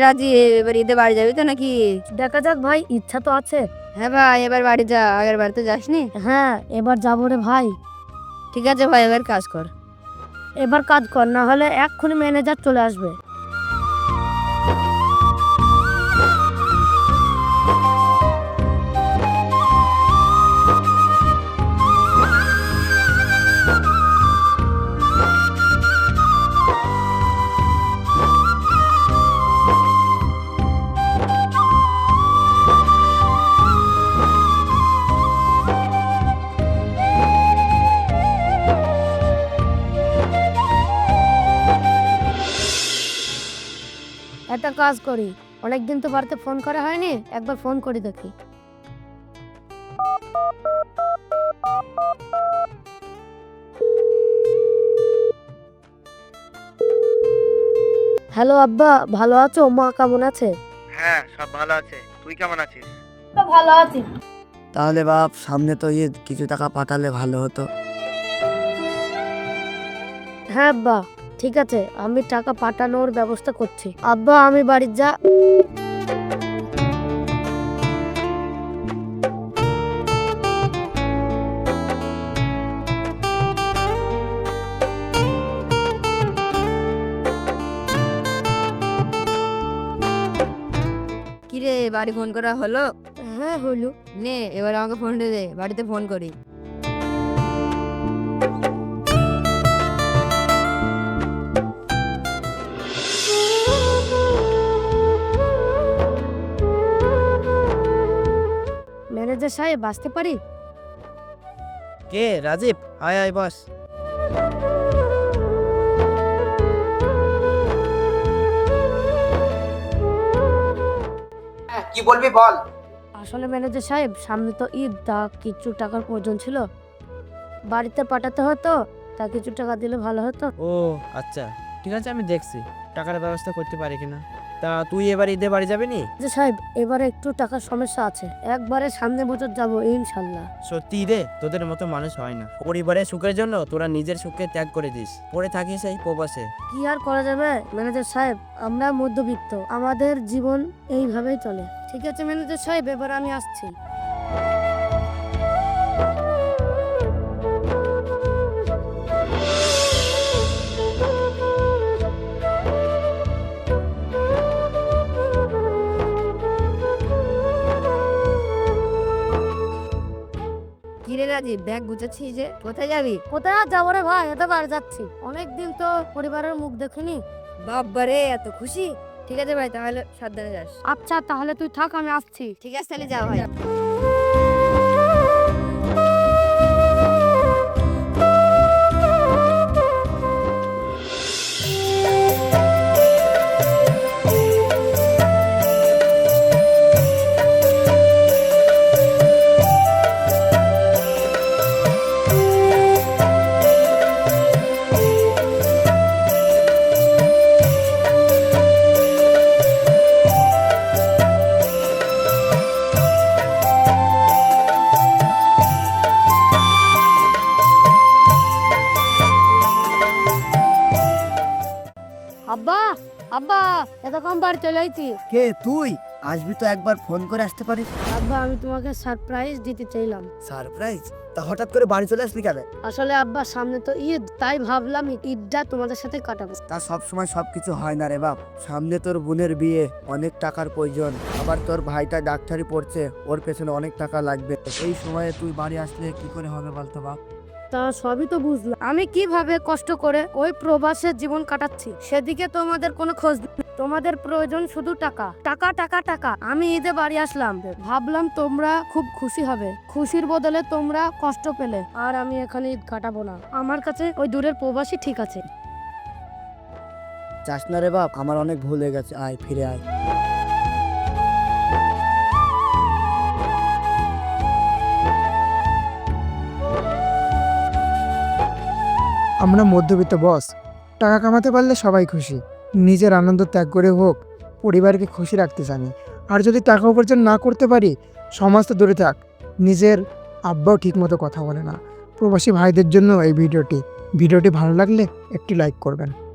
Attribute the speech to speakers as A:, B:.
A: রাজি, এবার ঈদে বাড়ি যাবি তো নাকি?
B: দেখা যাক ভাই, ইচ্ছা তো আছে।
A: হ্যাঁ ভাই, এবার বাড়ি যা, আগের বাড়ি তো যাসনি।
B: হ্যাঁ, এবার যাবো রে ভাই।
A: ঠিক আছে ভাই, এবার কাজ কর।
B: এবার কাজ কর, না হলে এক্ষুনি ম্যানেজার চলে আসবে। একটা কাজ করি, অনেকদিন তো বাড়িতে ফোন করা হয়নি, একবার ফোন করি দেখি। হ্যালো আব্বা, ভালো আছো? মা কেমন আছে?
C: হ্যাঁ, সব ভালো আছে। তুই কেমন আছিস?
B: তো ভালো আছি।
D: তাহলে বাপ, সামনে তো ঈদ, কিছু টাকা পাঠালে ভালো হতো।
B: হ্যাঁ আব্বা, ঠিক আছে, আমি টাকা পাঠানোর ব্যবস্থা করছি। আব্বা, আমি বাড়ি যা।
A: কিরে, বাড়ি ফোন করা হলো?
B: হ্যাঁ হইলো।
A: নে, এবার আমাকে ফোন দে, বাড়িতে ফোন করি।
B: ম্যানেজার সাহেব, আসতে পারি?
D: কে? রাজীব, আয় আয় বস।
C: কি বলবি বল।
B: আসলে ম্যানেজার সাহেব, সামনে তো ঈদ, তা কিছু টাকার প্রয়োজন ছিল, বাড়িতে পাঠাতে হতো, তা কিছু টাকা দিলে ভালো হতো।
D: ও আচ্ছা, ঠিক আছে, আমি দেখছি টাকার ব্যবস্থা করতে পারি কিনা। তা তুই এবার ঈদে বাড়ি যাবি নি?
B: যে সাহেব, এবারে একটু টাকার সমস্যা আছে, একবারে সামনে বছর যাবো ইনশাল্লাহ।
D: সত্যি রে, তোদের মতো মানুষ হয় না। পরিবারের সুখের জন্য তোরা নিজের সুখকে ত্যাগ করে দিস, পড়ে থাকিস এই প্রবাসে।
B: কি আর করা যাবে ম্যানেজার সাহেব, আমরা মধ্যবিত্ত, আমাদের জীবন এইভাবেই চলে। ঠিক আছে ম্যানেজার সাহেব, এবার আমি আসছি।
A: কিরে রাজীব, ব্যাগ গুছাচ্ছিস যে, কোথায় যাবি?
B: কোথায় আর যাবো রে ভাই, এত বার যাচ্ছি, অনেকদিন তো পরিবারের মুখ দেখিনি।
A: বাবারে, এত খুশি? ঠিক আছে ভাই, তাহলে সাবধানে যাস।
B: আচ্ছা, তাহলে তুই থাক, আমি আসছি।
A: ঠিক আছে, তাহলে যাও ভাই।
B: আব্বা, আব্বা, এতক্ষণ বাড়ি চলে আইছি।
D: কে তুই? আসবি তো একবার ফোন করে আসতে পারিস।
B: আব্বা, আমি তোমাকে সারপ্রাইজ দিতে চাইলাম।
D: সারপ্রাইজ? তা হঠাৎ করে বাড়ি চলে আসলি কেন?
B: আসলে আব্বা, সামনে তো ঈদ, তাই ভাবলাম ঈদটা তোমাদের সাথে কাটাবো।
D: তা সব সময় সবকিছু হয় না রে বাপ। সামনে তোর বোনের বিয়ে, অনেক টাকার প্রয়োজন। আবার তোর ভাইটা ডাক্তারি পড়ছে, ওর পেছনে অনেক টাকা লাগবে। এই সময়ে তুই বাড়ি আসলে কি করে হবে বলতো বাপ?
B: তা সবই তো বুঝলাম, আমি কিভাবে কষ্ট করে ওই প্রবাসের জীবন কাটাচ্ছি, সেদিকে তোমাদের কোনো খোঁজ নেই। তোমাদের প্রয়োজন শুধু টাকা, টাকা, টাকা, টাকা। আমি ঈদে বাড়ি আসলাম, ভাবলাম তোমরা খুব খুশি হবে, খুশির বদলে তোমরা কষ্ট পেলে, আর আমি এখানে ঈদ কাটাবো না। আমার কাছে ওই দূরের প্রবাসী ঠিক আছে।
D: চাস না রে বাপ, আমার অনেক ভুল হয়ে গেছে, আয় ফিরে আয়।
E: আমরা মধ্যবিত্ত বস, টাকা কামাতে পারলে সবাই খুশি। নিজের আনন্দ ত্যাগ করে হোক, পরিবারকে খুশি রাখতে জানি। আর যদি টাকা উপার্জন না করতে পারি, সমাজ তো দূরে থাক, নিজের আব্বাও ঠিকমতো কথা বলে না। প্রবাসী ভাইদের জন্য এই ভিডিওটি ভালো লাগলে একটি লাইক করবেন।